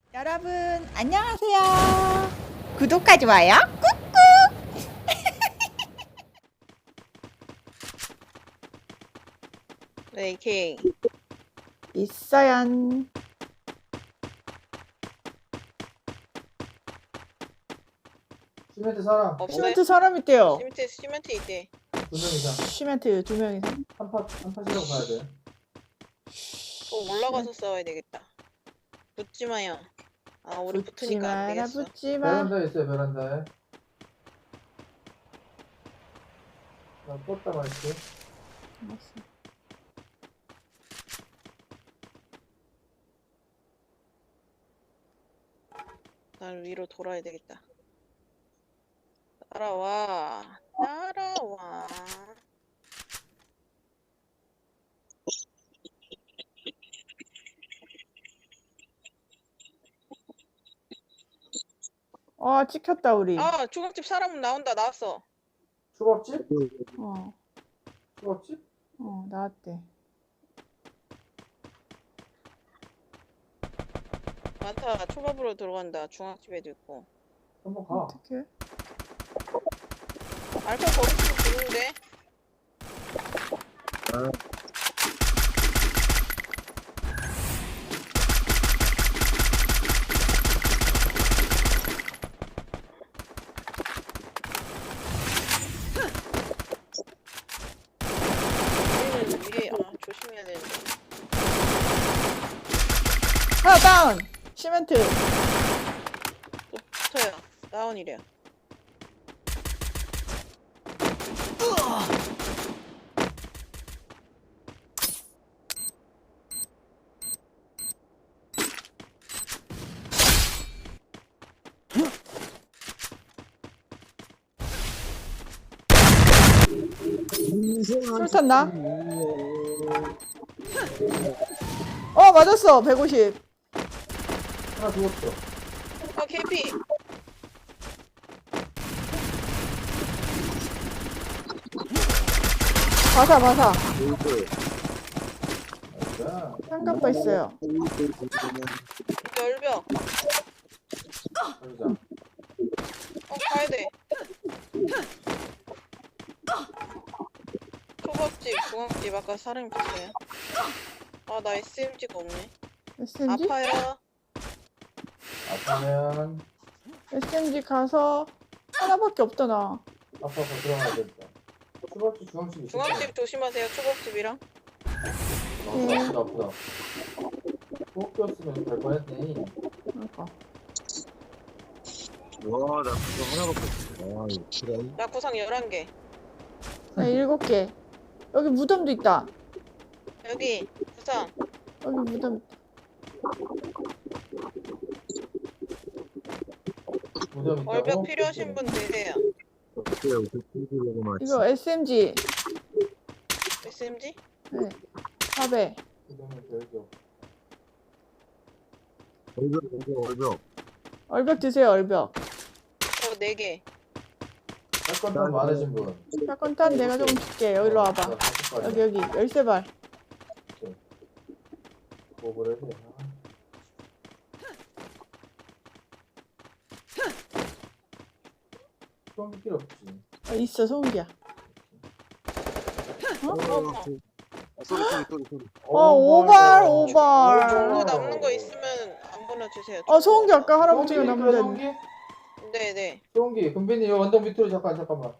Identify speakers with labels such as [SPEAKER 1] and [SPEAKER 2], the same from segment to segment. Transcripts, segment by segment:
[SPEAKER 1] 여러분 안녕하세요. 구독과 좋아요 꾹꾹.
[SPEAKER 2] 네, AK.
[SPEAKER 1] 있어요.
[SPEAKER 3] 시멘트 사람
[SPEAKER 2] 없어요.
[SPEAKER 1] 시멘트 사람 있대요.
[SPEAKER 2] 시멘트 있대.
[SPEAKER 3] 2명 이상
[SPEAKER 1] 시멘트 2명 이상.
[SPEAKER 3] 한 팟이라고 봐야 돼.
[SPEAKER 2] 또 올라가서 싸워야 되겠다. 붙지 마요. 아, 우리
[SPEAKER 1] 붙지
[SPEAKER 2] 붙으니까 안
[SPEAKER 1] 마라
[SPEAKER 2] 되겠어.
[SPEAKER 1] 붙지 마.
[SPEAKER 3] 베란다에 있어요, 베란다에. 나 껐다 말게.
[SPEAKER 2] 날 위로 돌아야 되겠다. 따라와. 따라와.
[SPEAKER 1] 찍혔다 우리.
[SPEAKER 2] 아, 중국집 사람은 나왔어.
[SPEAKER 3] 초밥집?
[SPEAKER 1] 어,
[SPEAKER 3] 초밥집?
[SPEAKER 1] 나왔대.
[SPEAKER 2] 많다. 초밥으로 들어간다. 중앙집에도 있고.
[SPEAKER 3] 한번 가.
[SPEAKER 1] 어떻게?
[SPEAKER 2] 알파 거기서 들는데 우리는 위에 조심해야 되는데.
[SPEAKER 1] 하나 다운. 시멘트.
[SPEAKER 2] 또 붙어요. 다운이래요.
[SPEAKER 1] 술탄 나? 맞았어. 150.
[SPEAKER 3] 하나 죽었어.
[SPEAKER 2] KP.
[SPEAKER 1] 바사.
[SPEAKER 3] 자,
[SPEAKER 1] 삼각바 있어요.
[SPEAKER 2] 열벽.
[SPEAKER 3] 가자.
[SPEAKER 2] 가야 돼. 초밥집, 중앙집 아까 사람이 봤어요. 나 SMG가 없네.
[SPEAKER 1] SMG?
[SPEAKER 2] 아파요.
[SPEAKER 3] 아파면
[SPEAKER 1] SMG 가서 하나밖에 없다 나.
[SPEAKER 3] 아파서 들어가야 된다. 초밥집, 중앙집 있어.
[SPEAKER 2] 중앙집 조심하세요. 초밥집이랑.
[SPEAKER 3] 아프다. 꼭 꼈으면 갈 뻔했네.
[SPEAKER 1] 그러니까.
[SPEAKER 4] 와, 나 그거 하나밖에 없어. 아, 이거 싫어.
[SPEAKER 2] 나 구상 11개.
[SPEAKER 1] 나 7개. 여기 무덤도 있다.
[SPEAKER 2] 여기 구상.
[SPEAKER 1] 여기 무덤.
[SPEAKER 3] 무덤 있다고?
[SPEAKER 2] 월벽 필요하신 분 드세요.
[SPEAKER 4] 어때요? 그거 맞지?
[SPEAKER 1] 이거 SMG.
[SPEAKER 2] SMG?
[SPEAKER 1] 네. 4배.
[SPEAKER 3] 무덤은 별교.
[SPEAKER 4] 얼벽.
[SPEAKER 1] 얼벽 드세요, 얼벽.
[SPEAKER 2] 4개.
[SPEAKER 3] 사건탄 많으신 분.
[SPEAKER 1] 사건탄 내가 조금 줄게. 여기로 와봐. 여기. 열쇠발.
[SPEAKER 3] 뭐 그래? 소음기 필요 없지.
[SPEAKER 1] 있어, 소음기야.
[SPEAKER 4] 소리.
[SPEAKER 1] 오발.
[SPEAKER 2] 종로 남는 거 있으면 안 보내주세요.
[SPEAKER 1] 소음기 아까 할아버지가
[SPEAKER 3] 소음기
[SPEAKER 1] 남는
[SPEAKER 3] 소음기?
[SPEAKER 2] 네네.
[SPEAKER 3] 소음기. 금빈이 이 언덕 밑으로 잠깐만.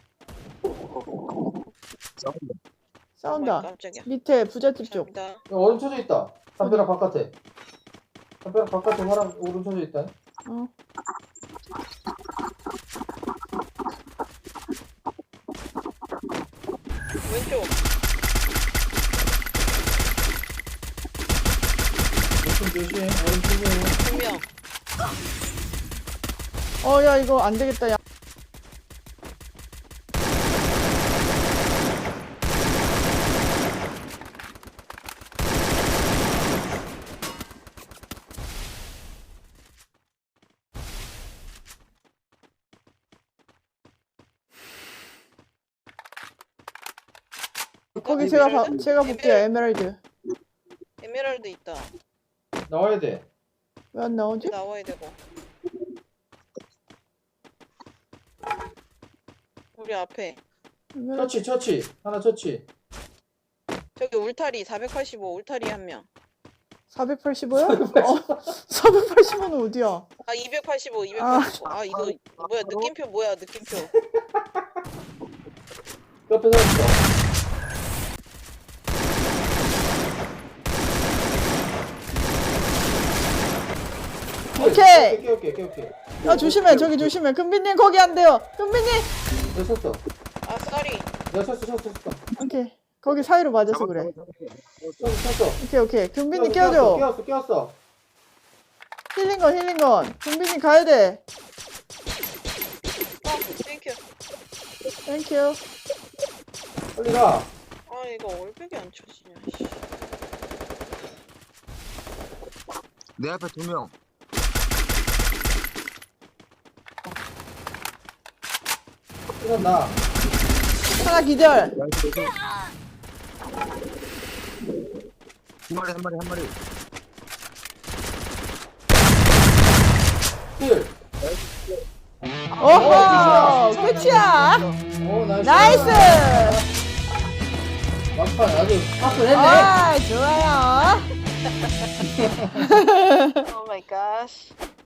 [SPEAKER 1] 싸운다.
[SPEAKER 2] 깜짝이야.
[SPEAKER 1] 밑에 부잣집 쪽.
[SPEAKER 2] 감사합니다.
[SPEAKER 3] 야, 얼음 쳐져 있다. 담벼락 바깥에. 담벼락 바깥에 사람 얼음 쳐져 있다.
[SPEAKER 1] 어.
[SPEAKER 2] 왼쪽.
[SPEAKER 3] 조심. 얼음 쳐져.
[SPEAKER 2] 2명.
[SPEAKER 1] 야, 이거 안 되겠다. 야. 거기 제가 볼게요. 에메랄드.
[SPEAKER 2] 에메랄드 있다.
[SPEAKER 3] 나와야 돼.
[SPEAKER 1] 왜 안 나오지?
[SPEAKER 2] 나와야 되고. 우리 앞에.
[SPEAKER 3] 처치. 하나 처치.
[SPEAKER 2] 저기 울타리 485 울타리 한 명.
[SPEAKER 1] 485요? 485는 어디야?
[SPEAKER 2] 아 285. 아 이거 뭐야 느낌표 뭐야 느낌표.
[SPEAKER 3] 옆에 서 있어.
[SPEAKER 1] 오케이.
[SPEAKER 3] 깨울게.
[SPEAKER 1] 아 조심해. 저기 조심해. 금빈님 거기 안 돼요. 금빈님.
[SPEAKER 3] 내가 쳤어.
[SPEAKER 2] 아 쏘리.
[SPEAKER 3] 내가 쳤어.
[SPEAKER 1] 오케이. 거기 사이로 맞아서 그래.
[SPEAKER 3] 쳤어.
[SPEAKER 1] 오케이. 금빈님 껴줘.
[SPEAKER 3] 깨웠어.
[SPEAKER 1] 힐링건. 금빈님 가야 돼.
[SPEAKER 2] 땡큐.
[SPEAKER 1] 땡큐.
[SPEAKER 3] 빨리 가.
[SPEAKER 2] 아 이거 올백이 안 쳐지냐. 씨.
[SPEAKER 4] 내 앞에 2명.
[SPEAKER 3] 이건 나.
[SPEAKER 1] 하나 기절.
[SPEAKER 4] 한 마리.
[SPEAKER 3] 힐.
[SPEAKER 1] 오호. 끝이야.
[SPEAKER 3] 오,
[SPEAKER 1] 나이스.
[SPEAKER 3] 막판 아주 화끈했네.
[SPEAKER 1] 아 좋아요.
[SPEAKER 2] 오 마이 갓.